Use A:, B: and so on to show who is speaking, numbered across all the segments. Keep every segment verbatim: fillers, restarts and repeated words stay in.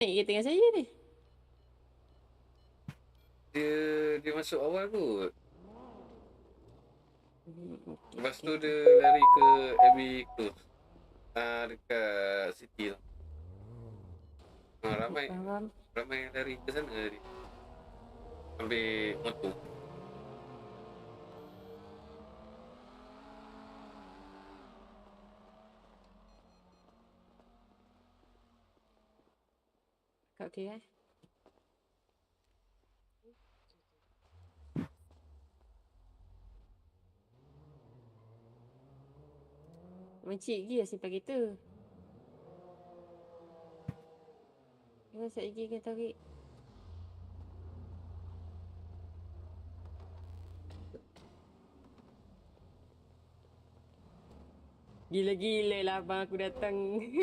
A: naik kereta dengan saya ni.
B: Dia dia masuk awal kot.
A: Hmm, okay,
B: Lepas
A: okay.
B: tu dia lari ke Abbey Close. Ah, dekat City tu. Ah, ramai
A: Faham.
B: ramai yang lari ke sana tadi. Ambil motor.
A: Kau okey eh? Mencik lagi lah simpan kereta. Jangan sat lagi kena tarik. Gila-gila lah abang aku datang.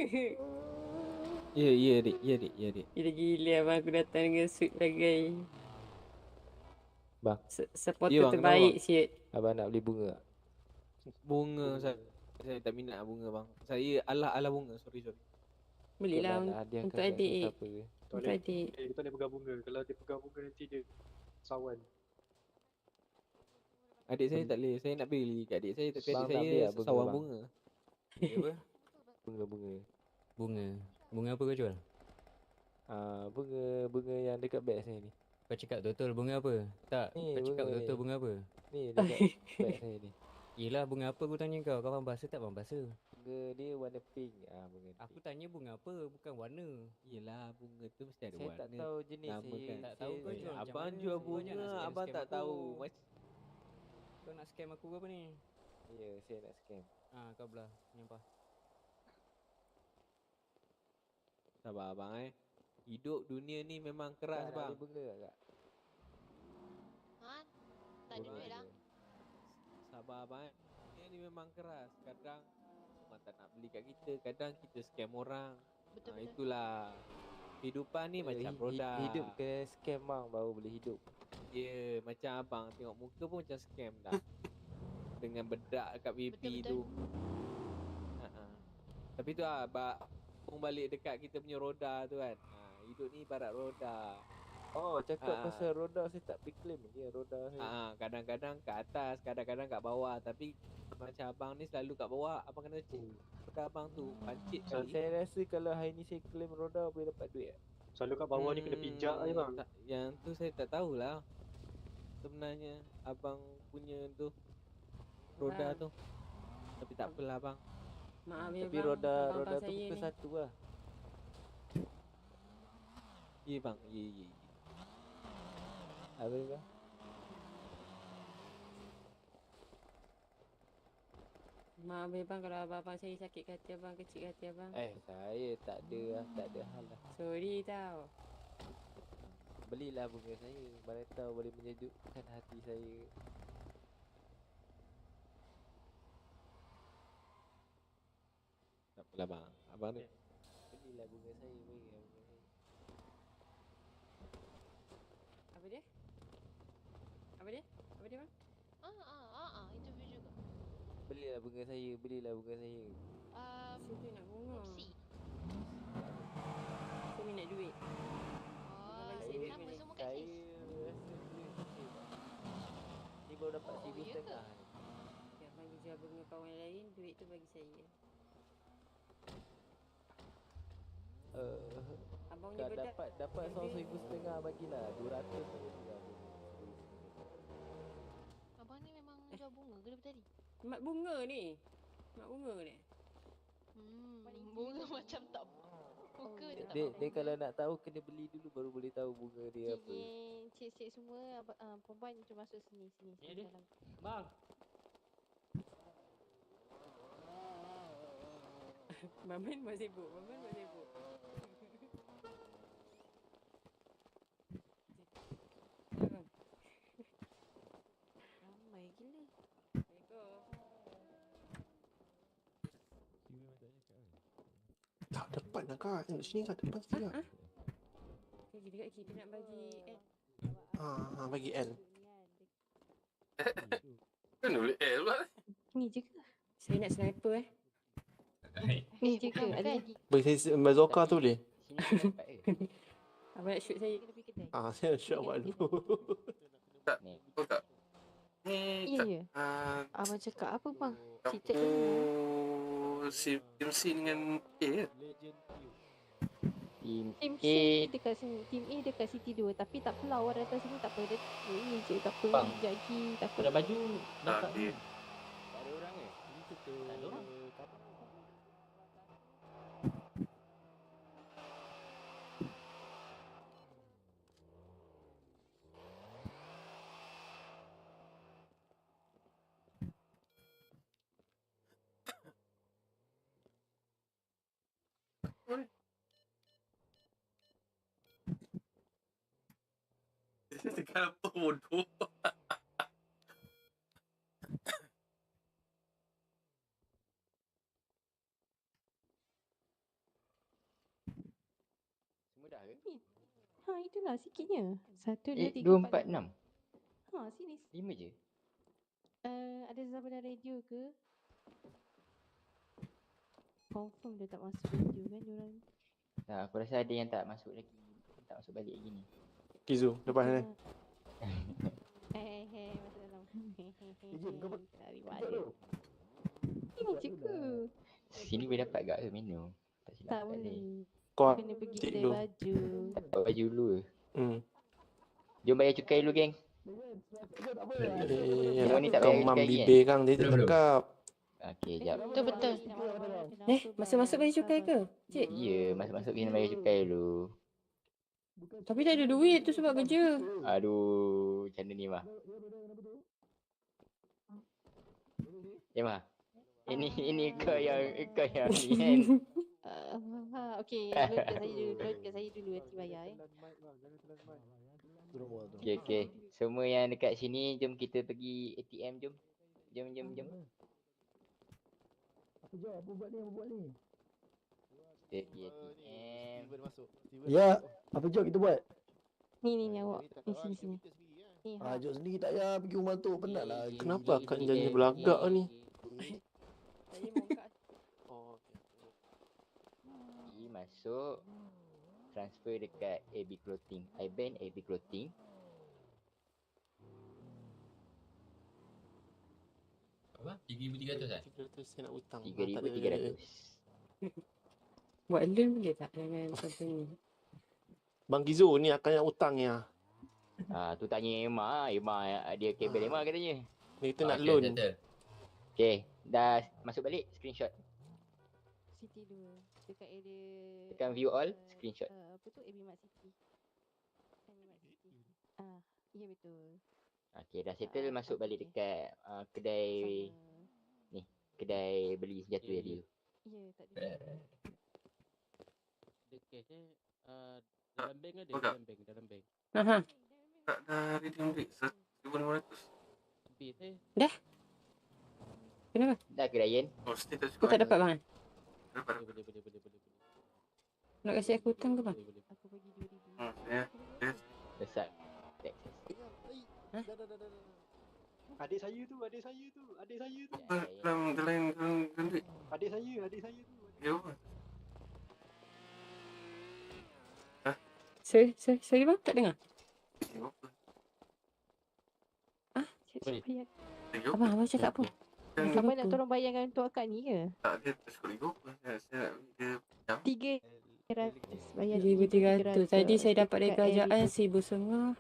C: Ya, ya dik, ya dik, ya dik.
A: Gila-gila abang aku datang dengan suit bagai.
C: Bang.
A: Se- Supporter
C: Ya, bang,
A: terbaik
C: kenapa,
A: siut.
C: Abang nak beli bunga tak? Bunga saya, saya tak minat bunga bang. Saya alah-alah bunga, sorry sorry.
A: Belilah
C: Ikutlah
A: un-
C: nak hadiahkan
A: untuk
C: kat
A: adik.
C: sesiapa ke.
A: Untuk adik.
D: Eh, kita boleh pegang bunga. Kalau dia pegang bunga nanti dia sawan.
C: Adik saya tak boleh, saya nak beli kat adik saya tapi
E: Bang
C: adik
E: nak beli
C: saya
E: tak bunga,
C: sawang
E: bang?
C: bunga.
F: Bunga apa?
E: Bunga-bunga.
F: Bunga. Bunga apa kau jual?
E: Ah, bunga bunga yang dekat beg saya ni.
F: Kau cakap betul bunga apa? Tak,
E: Ni,
F: kau cakap
E: bunga
F: betul
E: ni.
F: bunga apa?
E: Ni dekat beg saya ni.
F: Yelah bunga apa aku tanya kau. Kau faham bahasa tak faham bahasa?
E: Bunga dia warna pink. Ah, bunga
F: Aku
E: pink.
F: tanya bunga apa, bukan warna.
C: Yelah, bunga tu mesti ada
E: Saya
C: warna.
E: tak tahu jenis
C: nama
E: saya.
C: kan.
F: Tak tahu
E: saya-
F: kau jual macam
C: Abang
F: mana?
C: jual
F: Kau jangan
C: bunga,
F: nak scam-
C: abang
F: scam
C: tak
F: aku.
C: tahu. Mas
F: Kau nak scam aku ke apa ni?
E: Ya, saya nak scam.
F: Ah, kau belah. Nyampah.
C: sabar abang eh. Hidup dunia ni memang keras
E: Kak, nak
C: bang.
E: beli bunga tak, Kak?
G: Ha? Tak ada
E: Bunga
G: duit lah.
E: je.
C: Sabar abang eh. Dunia ni memang keras. Kadang orang tak nak beli kat kita, kadang kita scam orang.
G: Betul
C: Ha,
G: betul.
C: itulah. Kehidupan ni
E: Eh,
C: macam
E: hi- hi-
C: produk.
E: Hidup ke scam bang baru boleh hidup.
C: Ya, yeah, macam abang tengok muka pun macam scam dah. Dengan bedak kat pipi
G: Betul-betul.
C: tu. Ha-ha. Tapi tu lah, bak pun balik dekat kita punya roda tu kan. Ha, hidup ni ibarat roda.
E: Oh, cakap
C: Ah.
E: pasal roda saya tak pergi claim dia roda saya.
C: Ha, kadang-kadang kat atas, kadang-kadang kat bawah. Tapi macam abang ni selalu kat bawah, abang kena cek. Roda abang tu pancit
E: So,
C: kali.
E: saya rasa kalau hari ni saya claim roda boleh dapat duit tak?
D: Selalu kat bawah ni kena pijak je bang.
C: Tak, yang tu saya tak tahulah. Sebenarnya abang punya tu roda
A: Bang.
C: tu. Tapi tak apalah bang.
A: Maaf ya
E: Tapi
A: bang.
E: roda
A: abang-abang
E: roda tu
A: saya
E: muka
A: ni.
E: satu lah.
C: Ya bang, ya ya. ya.
E: Apa dia bang?
A: Maaf ya bang kalau abang-abang saya sakit hati abang, kecil hati abang.
E: Eh, saya tak ada lah, tak ada hal lah.
A: Sorry tau.
E: Belilah bunga saya, mana tahu boleh menyejukkan hati saya.
C: Tak apalah bang. Abang ni
E: Belilah bunga saya, belilah bunga saya.
A: Apa dia? Apa dia? Apa dia bang?
G: Ah ah ah ah interview juga.
E: Belilah bunga saya, belilah bunga saya.
G: Um,
A: Siapa nak bunga?
G: opsi.
A: Saya minat duit.
G: Oh,
A: bagi
E: Saya,
A: duit
G: nama
A: boleh.
G: semua kat
E: saya
G: sis.
E: rasa duit sikit bang. Ni baru dapat
G: Oh,
E: seribu
G: ya ke?
E: setengah ni.
A: Ya, abang jual bunga kawan lain, duit tu bagi saya.
E: Uh,
A: Abang ni
E: Kalau
A: bedak.
E: dapat dapat seorang seribu setengah bagilah dua ratus saya tinggal.
G: Abang ni memang jual bunga ke daripada tadi?
A: Mak bunga ni. Mak bunga ni.
G: Hmm, bunga macam tak muka dia tak
E: Dia,
G: nampak
E: dia
G: bunga.
E: kalau nak tahu kena beli dulu baru boleh tahu bunga dia apa.
G: Cincin, cik-cik semua abang, uh, perempuan termasuk sini sini
F: Ya,
G: sini
F: dia.
G: dalam.
F: Bang.
A: Maman masih sibuk. Maman masih sibuk. Abang.
G: Ramai gila.
A: Assalamualaikum.
H: Tak depan lah kak. Tengok sini kak. Depan sini kak.
A: Lagi dekat kita nak bagi eh.
H: Ah, ah, bagi L.
B: Kan boleh L pula.
G: Ni je ke?
A: Saya nak sniper eh.
G: Ni je ke? Ada lagi.
H: Bagi saya bazooka tu boleh?
E: Sini dapat eh.
A: Abang nak shoot saya.
G: Lebih kedai.
H: Ah, saya shoot awak dulu.
E: Ni.
B: Betul tak? Ni
G: Ya,
B: tak.
G: ya.
B: Ah,
G: Abang cakap apa bang? Cerita
B: Kamu
G: dulu.
B: si M C dengan A ya?
E: Team
G: Team
E: A.
G: C dekat sini. Team A dekat City dua. Tapi tak apalah orang datang sini tak apa. Dia ini je tak apa.
E: Bang.
G: Jagi tak apa.
E: Pada baju nampak
B: okey.
E: ni.
C: Tak ada orang ke?
E: Tak ada orang.
B: Dia cakap apa bodoh?
E: Semua dah ke?
G: Ha itulah sikitnya. Satu, dua,
E: Eh,
G: tiga,
E: dua,
G: empat,
E: empat,
G: enam.
E: enam.
G: Ha sini.
E: Lima je.
G: Uh, ada Zabana radio ke? Confirm dia tak masuk radio kan diorang.
E: Tak, aku rasa ada yang tak masuk lagi. Tak masuk balik lagi ni.
H: Kizu, depan ni.
G: Eh, eh, masuk dalam.
H: Ijin, kau buat-
G: Cari mana? Ini je ke?
E: Sini boleh dapat gak ke menu? Tak silap
G: Tak
E: tak boleh.
G: boleh.
H: Kau
G: Kena pergi
H: cik
G: kedai
H: dulu.
G: baju.
E: Tak dapat baju dulu.
H: Hmm.
E: Jom bayar cukai dulu geng.
H: Eh,
E: Yang ni tak
H: kau
E: bayar
H: mam
E: cukai lagi,
H: bibir kang dia tak cakap.
E: Okey, jap.
G: Betul betul.
A: Eh, masuk-masuk bayar cukai ke? Cik.
E: Ya, masuk-masuk kena bayar cukai dulu.
A: Tapi tak ada duit tu sebab kerja.
E: Aduh, macam mana ni mah? Ya mah. Ini ini kau yang kau yang ni kan.
G: Uh, ha, okey, load kat saya dulu, load kat saya dulu nanti bayar eh.
E: Okey okey. Semua yang dekat sini jom kita pergi A T M jom. Jom jom jom. Apa jom apa buat ni apa buat ni? Kita pergi A T M.
I: Ya, apa jom kita buat?
G: Ni ni ni awak. Ni sini sini. Ni ha.
I: Ah, jom sendiri tak payah pergi rumah tu, penat lah.
H: Kenapa akak janji belagak ni?
A: Saya mau kat
B: Oh,
E: Pergi masuk. Transfer dekat A B Clothing. I ban A B Clothing.
J: Apa? tiga ribu tiga ratus eh?
H: tiga ratus saya nak hutang.
E: tiga ribu tiga ratus.
A: buat loan boleh tak dengan company?
H: Bang Kizu ni akan nak hutang ya.
E: Ah tu tanya Emma, Emma dia kabel Emma katanya.
H: Ni kita nak
J: Okey,
H: loan.
J: settle.
E: Okey, dah masuk balik screenshot.
G: City dua. Dekat area
E: Tekan view all,
G: uh,
E: screenshot.
G: Uh, apa tu? A B Mart City. A B Mart City. Ah, ya betul.
E: Okey, dah settle
G: Ah,
E: masuk balik
G: okey.
E: dekat uh, kedai
G: Sama.
E: kedai beli senjata tadi tu.
G: Ya, tak ada.
F: Dekat eh uh, dalam bank ada,
B: Betul tak?
F: dalam bank, dalam bank.
A: Aha.
B: tak dah redeem duit seribu lima ratus.
F: Habis eh.
A: Kenapa?
E: Dah ke Ryan?
B: Oh, still tak
A: Kau
B: cukup.
A: tak dapat bang?
B: Dapat.
F: Boleh boleh boleh boleh boleh. boleh.
A: Nak kasi aku hutang ke bang?
F: Boleh boleh.
G: Aku bagi dua ribu.
B: Hmm, ya.
E: Besar. Texas.
D: Adik saya tu, adik saya tu, adik saya tu.
B: Apa dalam dalam dalam dalam duit?
D: Adik saya, adik saya tu.
B: Ya apa?
A: Sorry, sorry, sorry bang, tak dengar.
B: Ya apa?
A: Ah, cik,
F: Boleh.
A: cik, bayar.
B: Ya apa?
A: Abang, abang cakap apa?
B: Dan
G: Abang nak tolong bayarkan untuk akak ni ke?
B: tak dia tak cukup lagi apa? Saya saya nak dia jam.
G: Tiga ratus bayar
A: seribu tiga ratus. Tadi saya dapat dari
G: dekat
A: kerajaan
G: area
A: seribu setengah.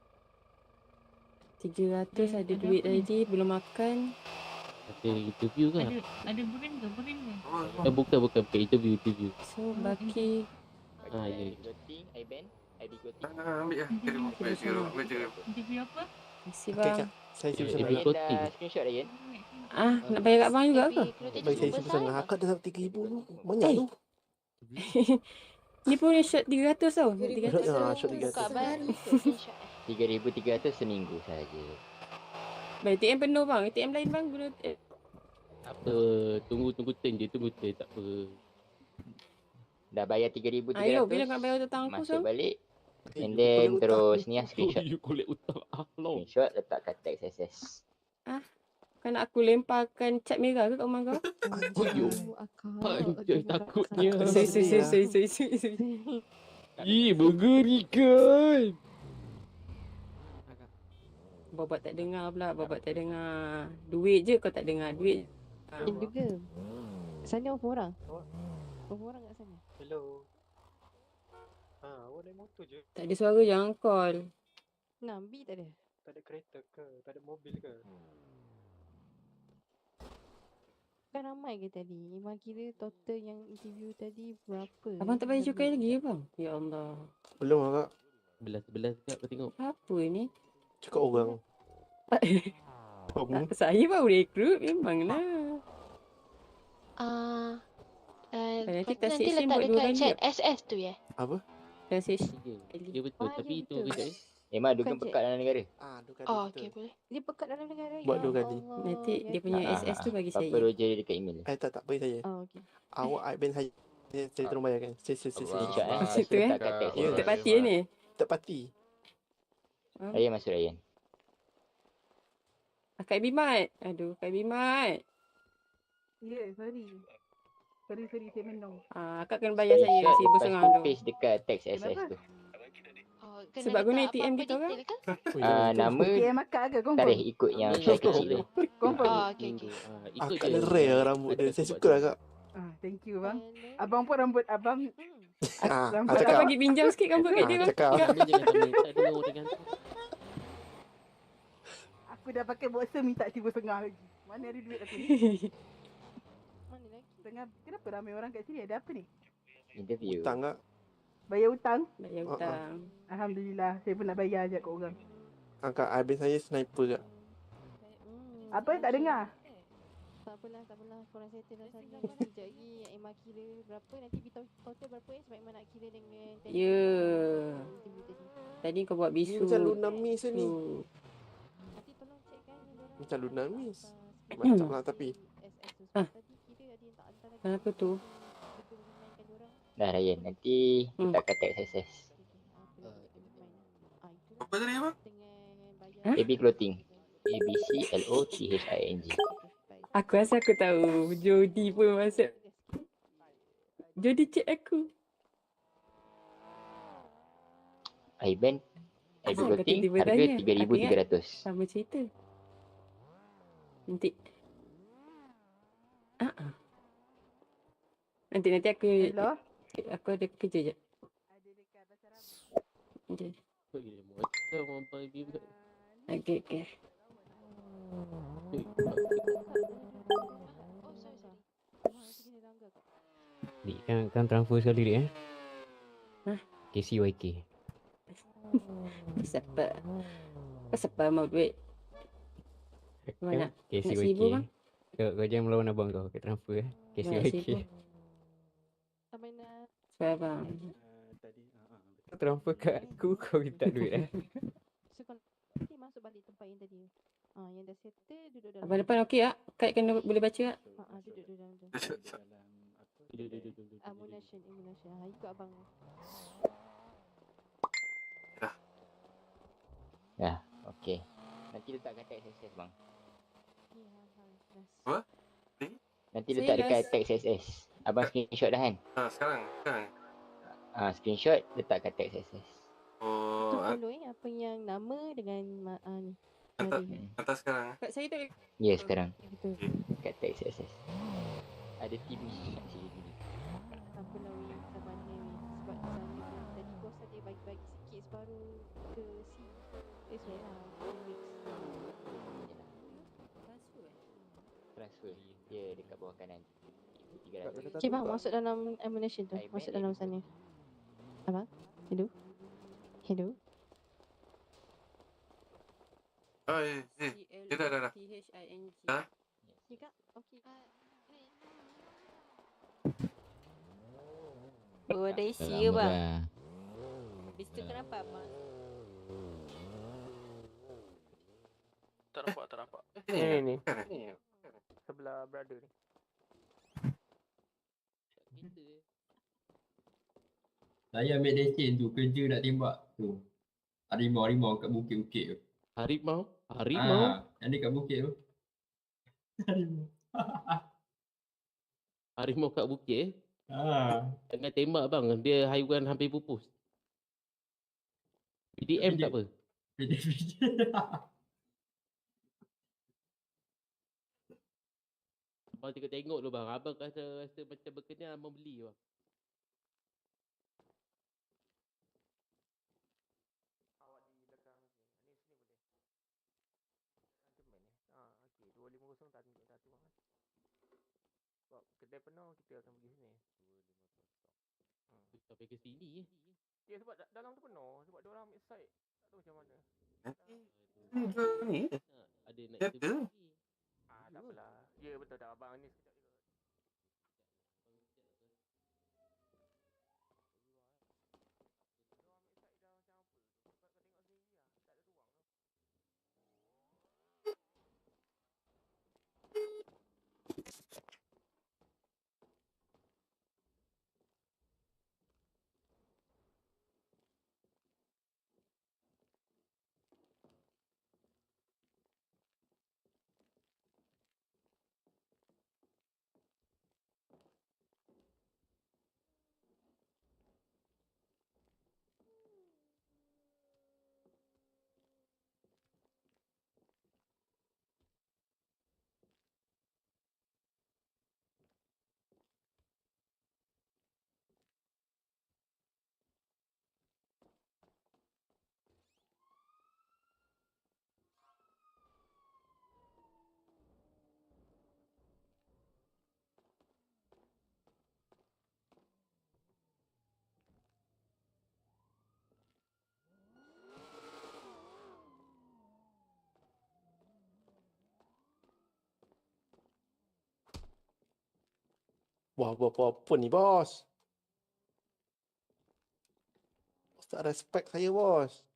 A: tiga ratus ada duit tadi, belum makan.
J: Ada interview ke?
K: Ada ada burin ke? Burin ke?
B: Oh,
J: Eh, bukan, bukan, bukan. Interview, interview.
A: So, baki
J: Ah, ya, ya.
E: Clothing, I ban, I B Clothing.
B: ah, ambil lah. Tiga ribu, ambil tiga ribu, ambil tiga ribu.
K: Interview apa?
A: kasih
H: Okey
A: bang.
H: kak, saya
J: Eh,
H: seribu
J: eh,
H: setengah.
E: Ryan
J: Clothing.
E: dah screenshot Ryan.
A: Ah, nak bayar kat bang juga ke?
H: Bagi saya seribu setengah. Akak dah dapat tiga ribu tu. Banyak
A: Eh.
H: tu.
A: Ni pun shot tiga ratus tau. tiga ratus.
H: Ah, shot tiga
G: Buka
H: ratus.
G: baru screenshot eh.
E: tiga ribu tiga ratus seminggu saja.
A: Bang, A T M penuh bang. A T M lain bang guna eh,
J: Apa, tunggu, tunggu turn je, tunggu turn. Tak apa.
E: Dah bayar tiga ribu tiga
A: Ayo,
E: ratus.
A: bila nak bayar hutang aku
E: Masuk
A: so?
E: balik.
H: Eh,
E: And
H: you
E: then
H: collect hutang
E: terus
H: ni.
E: ni lah screenshot.
J: You collect hutang. Ah, long.
E: Screenshot letak kat text S S.
A: Kan nak aku lemparkan cat merah ke kat rumah kau?
J: Oh, you.
G: Oh, akak.
J: Panjang
G: Terima
J: takutnya.
G: kasih.
A: Sorry, sorry, sorry, sorry, sorry, sorry.
J: Ih, mengerikan.
A: Babat tak dengar pula, babat tak dengar. Duit je kau tak dengar, duit. Ah.
G: Yang juga. Sana berapa orang? Berapa orang kat sana?
D: Hello. Ha, awak naik motor je.
A: Tak ada suara, jangan call.
G: Nambi tak ada?
D: Tak ada kereta ke? Tak ada mobil ke?
G: Kan ramai ke tadi? Memang kira total yang interview tadi berapa?
A: Abang tak bayar cukai lagi abang? Ya Allah.
H: Belum lah kak.
J: Sebelah-sebelah juga kau tengok.
A: Apa ni?
H: Cakap orang. Kamu.
A: Saya baru rekrut memang lah.
L: Ah, uh,
A: Nanti
L: nanti,
A: kat
L: nanti
A: section
L: letak
A: buat dua
L: dekat
A: kali
L: chat
A: tak?
L: S S tu ya.
H: Apa?
A: Transition.
J: Ya betul,
G: Ah,
J: tapi
G: ya,
J: itu
G: betul.
J: kejap eh.
E: Memang
G: Bukan
E: dukung
G: cik.
E: pekat dalam negara.
H: Ah, dua kali
L: Oh,
H: betul.
L: okey boleh.
G: Dia pekat dalam negara.
H: Buat
G: ya
H: dua kali.
G: Allah,
A: Nanti
G: ya
A: dia punya
G: Tuhan.
A: S S tu bagi
E: Apa
A: saya.
E: Roger dia dekat email.
H: Eh tak tak bagi saya.
G: Oh, okey.
H: Awak admin saya. Saya, saya tolong bayarkan. Saya saya saya. saya.
E: Screenshot eh.
A: Macam
E: Lepas
A: tu, eh?
E: letak kat teks.
H: Ya.
A: Tak pati ni.
H: Tak pati.
E: Ryan masuk Ryan.
A: Kak Bimat. Aduh, Kak Bimat.
M: Ya, yeah, sorry. Sorry, sorry, saya menung.
A: Ah, Kak kena bayar saya
E: Screenshot
A: seribu
E: lepas
A: setengah
E: tu
A: tu.
E: paste dekat teks S S
M: Kenapa?
E: tu.
L: Oh, kena
A: Sebab guna
L: letak
A: A T M
L: apa-apa
A: kita orang.
L: detail ke?
H: Oh,
E: Ah,
H: ya, betul.
E: nama
M: A T M akak ke? Confirm?
E: tarikh ikut yang
J: Nama
E: file
J: kecil
E: kecil tu.
J: tu.
M: Confirm?
L: Oh, okey, okey.
J: Ah,
H: Ah,
J: ikut
H: kak
J: je.
H: rare lah rambut dia.
J: Ada
H: Saya
J: sebab
H: suka lah
J: dia.
H: kak.
M: Ah, thank you bang.
G: Hello.
M: Abang pun rambut abang.
G: Hmm.
H: Ah,
M: Rambut
H: ah,
A: Kak
H: cakap.
A: bagi pinjam sikit rambut kat
H: Ah,
A: dia bang.
H: cakap.
J: Kamu jangan tak minta dulu orang gantung.
M: Aku dah pakai boxer minta seribu setengah lagi. Mana ada duit aku ni?
G: Mana lagi?
M: Tengah, kenapa ramai orang kat sini? Ada apa ni?
E: Interview.
H: Hutang kak.
M: Bayar hutang?
A: Bayar
H: Ah, ah.
A: hutang.
M: Alhamdulillah, saya pun nak bayar je kat orang.
H: Ah, kak admin saya sniper kak.
G: Hmm,
M: Apa tak dengar?
G: Tak apalah, tak apalah. Korang settle dah sana. Sekejap lagi Emma kira berapa. Nanti beritahu total berapa eh. Sebab Emma nak kira dengan tadi.
A: Ya.
G: Interview tadi.
A: Tadi kau buat
H: Ni
A: bisu.
H: macam Luna Miss ni.
A: tu.
G: Nanti tolong checkkan yang dorang
H: Macam Luna
G: apa,
H: Miss.
G: apa,
H: Macam lah tapi.
G: S S tu.
A: Ah.
G: Sebab tadi kira ada yang tak hantar lagi.
A: Kenapa tu?
G: Betul remind kan dorang.
E: Dah Ryan. Nanti
A: Hmm.
E: letak kat teks S S.
G: Okay, okay. Apa lagi remind? Ah, itulah.
B: Apa tadi apa?
G: Dengan bayar.
A: Hah?
E: A B Clothing. A B C L O T H I N G.
A: Aku rasa aku tahu. Jody pun masuk. Jody chat aku.
E: Iban. A B
A: Asal kau
E: Clothing.
A: tiba-tiba
E: Harga
A: tanya?
E: tiga ribu tiga ratus.
A: Sama cerita. Nanti. Ah. ah. Nanti nanti aku
M: Hello?
A: aku ada kerja je.
M: Ada dekat Basarab.
A: Okay.
J: Kau gila macam orang panggil bimbang.
A: Okay, okay.
J: Eh,
G: Oh, sorry, sorry. Emma nanti kena langgar kau.
F: Dik kan, kan transfer sekali dik eh.
A: Hah?
F: K C Y K.
A: Siapa? Kau siapa mau duit? Mana?
F: K C
A: Nak
F: Y K.
A: seribu bang?
F: Kau, kau jangan melawan abang kau kat transfer eh. K C
A: Nak
F: Y K.
A: seribu?
G: Sampai nak
A: Sebab bang.
F: Kau transfer kat aku, kau minta duit eh.
G: So kalau nanti masuk balik tempat yang tadi. Ah, yang dah settle duduk dalam.
A: Abang depan okey tak? Kak kena boleh baca tak?
G: Ah, ah, duduk duduk dalam tu.
J: Duduk, duduk, duduk, duduk,
G: Ammunition, ammunition. Ah, ikut abang.
E: Dah. Okey. Nanti letak kat teks S S bang.
G: Okay, ha, ha, last.
B: Apa?
E: Nanti
A: Saya
E: letak dekat
A: last.
E: teks S S. Abang screenshot dah kan?
B: Ha, sekarang. Sekarang.
E: Ah, screenshot letak kat teks S S.
G: Tu
B: Oh, ha-
G: follow eh apa yang nama dengan ma- ah, ni.
B: hantar,
G: Hari.
B: hantar sekarang.
A: Kak saya tak
E: Ya, sekarang.
G: Betul.
E: Kat teks S S. Ada team ni kat sini dulu.
G: Apa lah weh zaman ni weh. Sebab sana kan tadi bos ada bagi-bagi sikit separuh ke si. Eh sorry lah. Two weeks.
E: Transfer. Ya, dekat bawah kanan. tiga ratus.
G: Cik bang, masuk dalam ammunition tu. Masuk dalam sana. Abang? Hello? Hello?
B: Oh, eh, eh. Ya, dah, dah, dah.
A: T H I N G.
B: Ha?
G: Ya kak? Okey.
L: Oh, ada isi
F: Dah
L: ke
F: lama
L: bang?
F: dah.
L: Habis tu kenapa abang?
B: Tak nampak, tak nampak.
H: Ni ni.
B: Kan, eh?
H: Ni. Sebelah brother ni.
F: Kita eh.
N: Saya ambil lesen tu, kerja nak tembak tu. Harimau-harimau kat bukit-bukit tu.
J: Harimau? Harimau?
N: Ah, yang dekat bukit tu. Harimau.
J: Harimau kat bukit eh?
N: Ah.
J: Jangan tembak bang, dia haiwan hampir pupus. B D M tak apa?
N: B D M.
J: Abang tengok-tengok dulu bang. Abang rasa, rasa macam berkenan abang beli bang.
H: Awak di belakang sini. Ni sini boleh. Macam mana? Ah, okey. dua lima kosong tak tunjuk satu bang. Sebab kedai penuh kita akan pergi sini.
J: Hmm. Sampai ke sini eh.
H: Ya sebab da- dalam tu penuh. Sebab dia orang ambil side. Tak tahu macam mana.
B: Ni jual ni ke?
J: Ada nak
B: Kereta?
J: interview lagi.
H: Ah, tak apalah. Ya betul tak abang ni sekejap je. Wah, buat apa-apa ni, bos? Bos tak respect saya, bos.